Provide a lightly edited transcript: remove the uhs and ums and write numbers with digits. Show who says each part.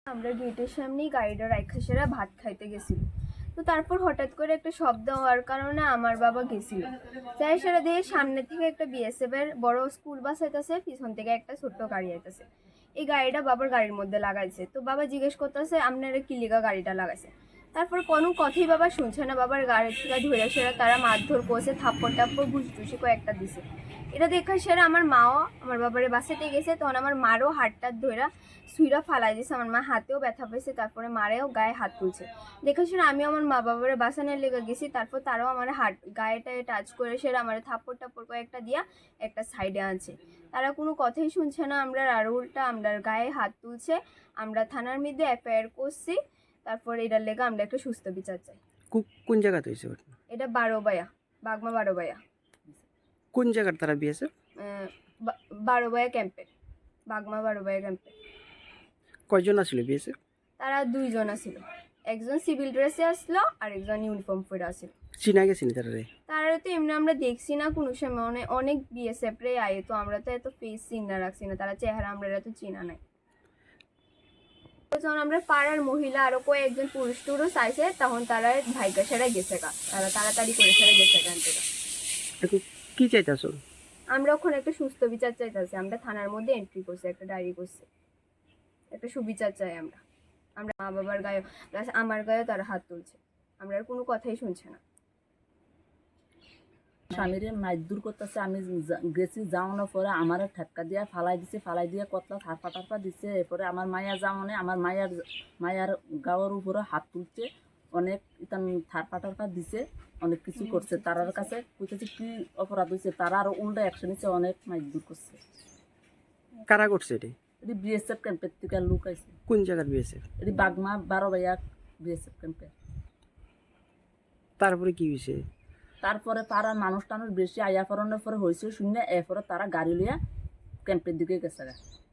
Speaker 1: আমরা গেটের সামনেই গাড়িটা রাইখা সেরা ভাত খাইতে গেছিল। তো তারপর হঠাৎ করে একটা শব্দ হওয়ার কারণে আমার বাবা গেছিল, যাই সেরা দিয়ে সামনে থেকে একটা বিএসএফ এর বড় স্কুল বাস আইতেছে, পিছন থেকে একটা ছোট্ট গাড়ি আইতেছে। এই গাড়িটা বাবার গাড়ির মধ্যে লাগাইছে। তো বাবা জিজ্ঞেস করতেছে আপনারা কি লিগা গাড়িটা লাগাইছে। তারপর কোনো কথাই বাবা শুনছে না, বাবার গাড়ি থেকে ধরে সেরা তারা মারধর করছে, থাপ্পড় টাপ্পড় ঘুষি কয়েকটা দিছে। এটা দেখা সেরা আমার মাও আমার বাবারে বাসাতে গেছে, তখন আমার মারও হাতটা ধরে সুইরা ফালাই দিছে, আমার মা হাতেও ব্যথা পেয়েছে, তারপরে মারেও গায়ে হাত তুলছে। দেখে সেরা আমি আমার মা বাবারে বাসানের লেগে গেছি, তারপর তারাও আমার হাত গায়েটায় টাচ করে সেরা আমার থাপ্পড় টাপ্পড় কয়েকটা দিয়া একটা সাইডে আনছে। তারা কোনো কথাই শুনছে না, আমরা আর উল্টা আমরা গায়ে হাত তুলছে। আমরা থানার মধ্যে এফআইআর করছি, তারপর এটার লেগে আমরা একটা সুস্থ বিচার চাই।
Speaker 2: কোন জায়গাতে হয়েছে?
Speaker 1: এটা বারোবায়া, বাগমা বারোবায়া।
Speaker 2: কোন জায়গার তারা বিয়েছে?
Speaker 1: বারোবায়া ক্যাম্পে, বাগমা বারোবায়া ক্যাম্পে।
Speaker 2: কয়জন আসলে বিয়েছে?
Speaker 1: তারা 2 জন আসছিল, একজন সিভিল ড্রেসে আসলো আর একজন ইউনিফর্ম পরে আসছিল।
Speaker 2: চিনা গেছিনি তারা?
Speaker 1: তারা তো এমনি আমরা দেখছি না কোনো সময়, অনেক বিএসএফ রে আয়ে, তো আমরা তো এত ফেস চিনা রাখছি না, তারা চেহারা আমরা এত চিনা নাই। যখন আমরা পাড়ার মহিলা আরো কয়েকজন পুরুষ টুরুষ আইসে, তখন তারা ভাইকা সেরা গেছে গা, তারা তাড়াতাড়ি করে সেরা গেছে গান থেকে।
Speaker 2: এখন কি চাইতেছ?
Speaker 1: আমরা ওখানে একটা সুস্থ বিচার চাইতেছি, আমরা থানার মধ্যে এন্ট্রি করছি, একটা ডায়েরি করছি, একটা সুবিচার চাই আমরা। আমরা মা বাবার গায়ে প্লাস আমার গায়েও তারা হাত তুলছে, আমরা আর কোনো কথাই শুনছে না।
Speaker 3: স্বামীরে মাইদুর করতেছে, আমি গেছি, যাওয়ানোর পরে আমার ঠেক্কা দিয়ে ফালাই দিছে, ফালাই দিয়ে কতলা থারপা টারপা দিচ্ছে। এরপরে আমার মায়া যাওয়ানে আমার মায়ার গাওয়ার উপরে হাত তুলছে, অনেক ইতান থারপা টারপা দিছে, অনেক কিছু করছে। তারার কাছে বুঝতেছি কি অপরাধ হয়েছে, তারা আরো উল্টা অ্যাকশন নিচ্ছে, অনেক মাইদুর করছে।
Speaker 2: কারা করছে এটি?
Speaker 3: এটি বিএসএফ ক্যাম্পের থেকে লোক আইছে।
Speaker 2: কোন জায়গার বিয়েছে?
Speaker 3: এটি বাগমা বারোবাইয়া বিএসএফ ক্যাম্পে।
Speaker 2: তারপরে কি হয়েছে?
Speaker 3: তারপরে পাড়ার মানুষ টানুষ বেশি আয়া পড়ানোর পরে হয়েছে শূন্য, এরপরে তারা গাড়ি লিয়া ক্যাম্পের দিকে গেছে।